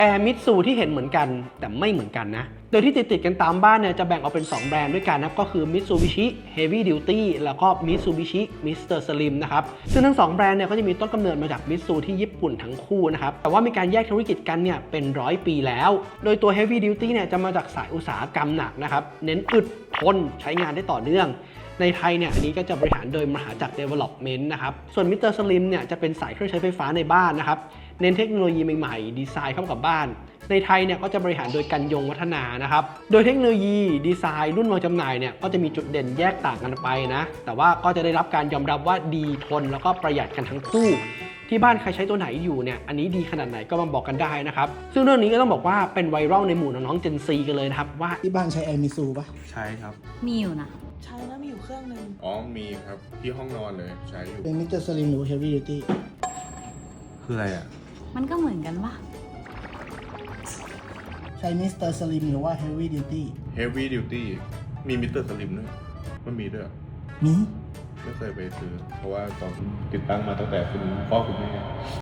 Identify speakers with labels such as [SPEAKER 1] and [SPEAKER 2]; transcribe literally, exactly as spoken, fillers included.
[SPEAKER 1] แอร์มิตซูที่เห็นเหมือนกันแต่ไม่เหมือนกันนะโดยที่ติดๆกันตามบ้านเนี่ยจะแบ่งออกเป็นสองแบรนด์ด้วยกันนะก็คือ Mitsubishi Heavy Duty แล้วก็ Mitsubishi มิสเตอร์ Slim นะครับซึ่งทั้งสองแบรนด์เนี่ยก็จะมีต้นกำเนิดมาจากมิตซูที่ญี่ปุ่นทั้งคู่นะครับแต่ว่ามีการแยกธุรกิจกันเนี่ยเป็นร้อยปีแล้วโดยตัว Heavy Duty เนี่ยจะมาจากสายอุตสาหกรรมหนักนะครับเน้นอึดทนใช้งานได้ต่อเนื่องในไทยเนี่ยอันนี้ก็จะบริหารโดยมหาจักร Development นะครับส่วน มิสเตอร์ Slim เนี่ยจะเป็นสายเครื่องใช้ไฟฟ้าในบ้านนะครับเน้นเทคโนโลยีใหม่ๆดีไซน์เข้ากับบ้านในไทยเนี่ยก็จะบริหารโดยกันยงวัฒนานะครับโดยเทคโนโลยีดีไซน์รุ่นวางจำหน่ายเนี่ยก็จะมีจุดเด่นแยกต่างกันไปนะแต่ว่าก็จะได้รับการยอมรับว่าดีทนแล้วก็ประหยัดกันทั้งคู่ที่บ้านใครใช้ตัวไหนอยู่เนี่ยอันนี้ดีขนาดไหนก็มาบอกกันได้นะครับซึ่งเรื่องนี้ก็ต้องบอกว่าเป็นไวรัลในหมู่น้องๆ Gen Z กันเลยนะครับว่า
[SPEAKER 2] ที่บ้านใช้แอร์มิซูปะ
[SPEAKER 3] ใช้ครับ
[SPEAKER 4] มีอยู่นะ
[SPEAKER 5] ใช้แล้วมีอยู่เครื่องนึง
[SPEAKER 3] อ๋อมีครับที่ห้องนอนเลยใช้อยู่
[SPEAKER 2] เป็นมิสเตอร์สลิมหรือเฮฟวี่ดิวตี้
[SPEAKER 3] คืออะไรอ่ะ
[SPEAKER 4] มันก็เหมือนกันปะ
[SPEAKER 2] ใช้มิสเตอร์สลิมหรือว่าเฮฟวี่ดิวตี้
[SPEAKER 3] Heavy Duty มีมิสเตอร์สลิมด้วยมันมีด้วย
[SPEAKER 2] มี
[SPEAKER 3] ไม่เคยไปซื้อเพราะว่าตอนติดตั้งมาตั้งแต่คุณพ่อคุณแม่